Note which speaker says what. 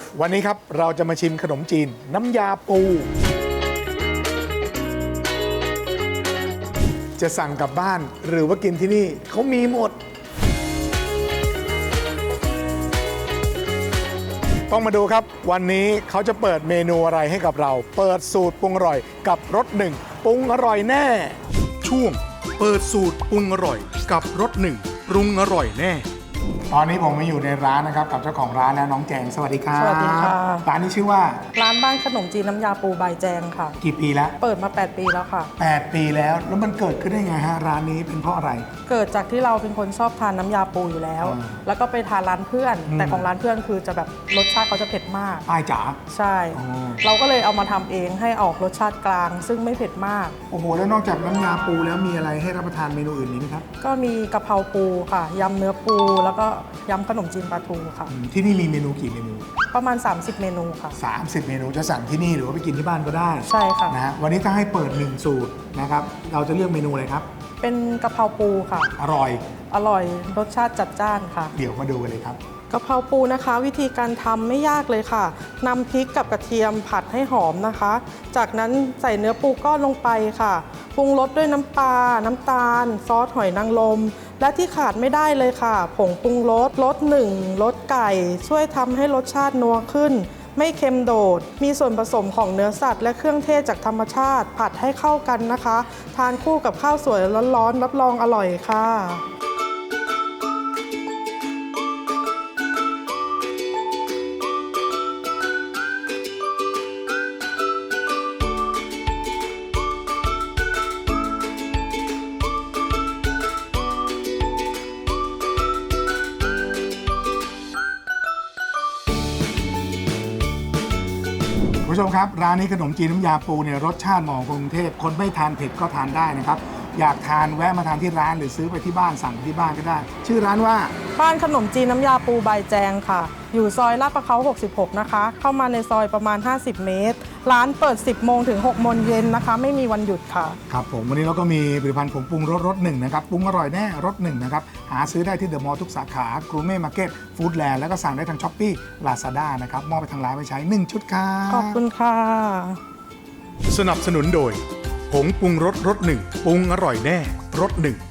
Speaker 1: วันนี้ครับเราจะมาชิมขนมจีนน้ำยาปูจะสั่งกลับบ้านหรือว่ากินที่นี่เขามีหมดต้องมาดูครับวันนี้เขาจะเปิดเมนูอะไรให้กับเราเปิดสูตรปรุงอร่อยกับรสหนึ่งปรุงอร่อยแน่ช่วงเปิดสูตรปรุงอร่อยกับรสหนึ่งปรุงอร่อยแน่ตอนนี้ผมมาอยู่ในร้านนะครับกับเจ้าของร้านแล้วน้องแจงสวัสดีครับ
Speaker 2: สวัสดีค่ะ
Speaker 1: ร้านนี้ชื่อว่า
Speaker 2: ร้านบ้านขนมจีนน้ำยาปูบายแจงค่ะ
Speaker 1: กี่ปีแล้ว
Speaker 2: เปิดมา8 ปีแล้วค่ะ
Speaker 1: 8 ปีแล้วมันเกิดขึ้นได้ไงฮะร้านนี้เป็นเพราะอะไร
Speaker 2: เกิดจากที่เราเป็นคนชอบทานน้ำยาปูอยู่แล้วแล้วก็ไปทานร้านเพื่อนแต่ของร้านเพื่อนคือจะแบบรสชาติเขาจะเผ็ดมาก
Speaker 1: ป้ายจ๋า
Speaker 2: ใช่เราก็เลยเอามาทำเองให้ออกรสชาติกลางซึ่งไม่เผ็ดมาก
Speaker 1: โอ้โหแล้วนอกจากน้ำยาปูแล้วมีอะไรให้รับประทานเมนูอื่นนี้ไหมครับ
Speaker 2: ก็มีกะเพราปูค่ะยำเนื้อปูแล้วก็ยำขนมจีนปลาทูค่ะ
Speaker 1: ที่นี่มีเมนูกี่เมนู
Speaker 2: ประมาณ30 เมนูค่ะ
Speaker 1: 30 เมนูจะสั่งที่นี่หรือว่าไปกินที่บ้านก็ได้
Speaker 2: ใช่ค่ะ
Speaker 1: นะฮะวันนี้ถ้าให้เปิด1สูตรนะครับเราจะเลือกเมนูอะไรครับ
Speaker 2: เป็นกะเพราปูค่ะ
Speaker 1: อร่อย
Speaker 2: รสชาติจัดจ้านค่ะ
Speaker 1: เดี๋ยวมาดูกันเลยครับ
Speaker 2: กะเพราปูนะคะวิธีการทำไม่ยากเลยค่ะนำพริกกับกระเทียมผัดให้หอมนะคะจากนั้นใส่เนื้อปูก้อนลงไปค่ะปรุงรสด้วยน้ำปลาน้ำตาลซอสหอยนางรมและที่ขาดไม่ได้เลยค่ะผงปรุงรส1รสไก่ช่วยทำให้รสชาตินัวขึ้นไม่เค็มโดดมีส่วนผสมของเนื้อสัตว์และเครื่องเทศจากธรรมชาติผัดให้เข้ากันนะคะทานคู่กับข้าวสวยร้อนๆรับรองอร่อยค่ะ
Speaker 1: คุณผู้ชมครับร้านนี้ขนมจีนน้ำยาปูเนี่ยรสชาติเหมาะกับกรุงเทพคนไม่ทานเผ็ดก็ทานได้นะครับอยากทานแวะมาทานที่ร้านหรือซื้อไปที่บ้านสั่งที่บ้านก็ได้ชื่อร้านว่า
Speaker 2: บ้านขนมจีนน้ำยาปูบายแจงค่ะอยู่ซอยลาดประเขา66นะคะเข้ามาในซอยประมาณ50 เมตรร้านเปิด10 โมงถึง6 โมงเย็นนะคะไม่มีวันหยุดค่ะ
Speaker 1: ครับผมวันนี้เราก็มีผลิตภัณฑ์ผงปรุงรสหนึ่งนะครับปรุงอร่อยแน่รสหนึ่งนะครับหาซื้อได้ที่เดอะมอลล์ทุกสาขากรูเม่มาร์เก็ตฟู้ดแลนด์แล้วก็สั่งได้ทางช้อปปี้ลาซาด้านะครับมอบไปทางร้านไปใช้1ชุดครับ
Speaker 2: ขอบคุณค่ะ
Speaker 1: สนับสนุนโดยผงปรุงรสหนึ่งปรุงอร่อยแน่รสหนึ่ง